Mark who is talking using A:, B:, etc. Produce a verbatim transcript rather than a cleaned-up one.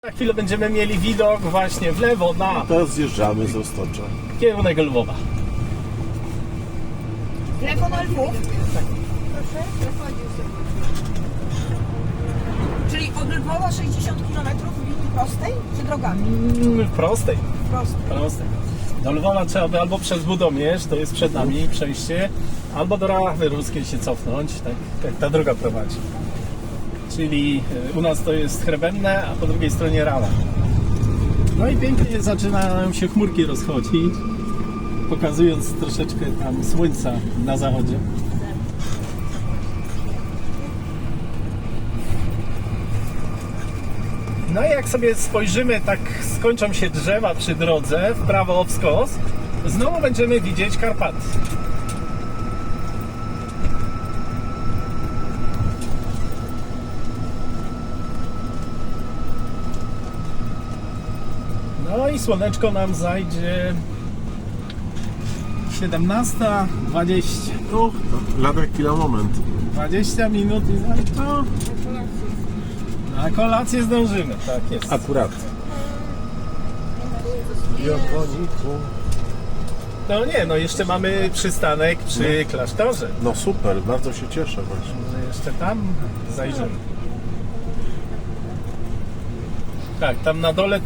A: Za chwilę będziemy mieli widok właśnie w lewo na
B: Teraz zjeżdżamy z Roztocza.
A: kierunek Lwowa.
C: W lewo na Lwów? Proszę, czyli od Lwowa sześćdziesiąt kilometrów w linii prostej, czy drogami?
A: Mm, w prostej,
C: Prostej.
A: prostej. Do Lwowa trzeba by albo przez Budomierz, to jest przed nami przejście, albo do Rachy Ruskiej się cofnąć, tak jak ta droga prowadzi. Czyli y, u nas to jest Chrebenne, a po drugiej stronie Rala. No i pięknie zaczynają się chmurki rozchodzić, pokazując troszeczkę tam słońca na zachodzie. No i jak sobie spojrzymy, tak skończą się drzewa przy drodze, w prawo w skos, znowu będziemy widzieć Karpaty. No i słoneczko nam zajdzie siedemnasta dwadzieścia.
B: No, lada chwila, moment.
A: dwadzieścia minut i no to na kolację zdążymy, tak jest.
B: Akurat.
A: No nie, no jeszcze mamy przystanek przy klasztorze.
B: No super, bardzo się cieszę właśnie.
A: Może jeszcze tam zajrzymy. Tak, tam na dole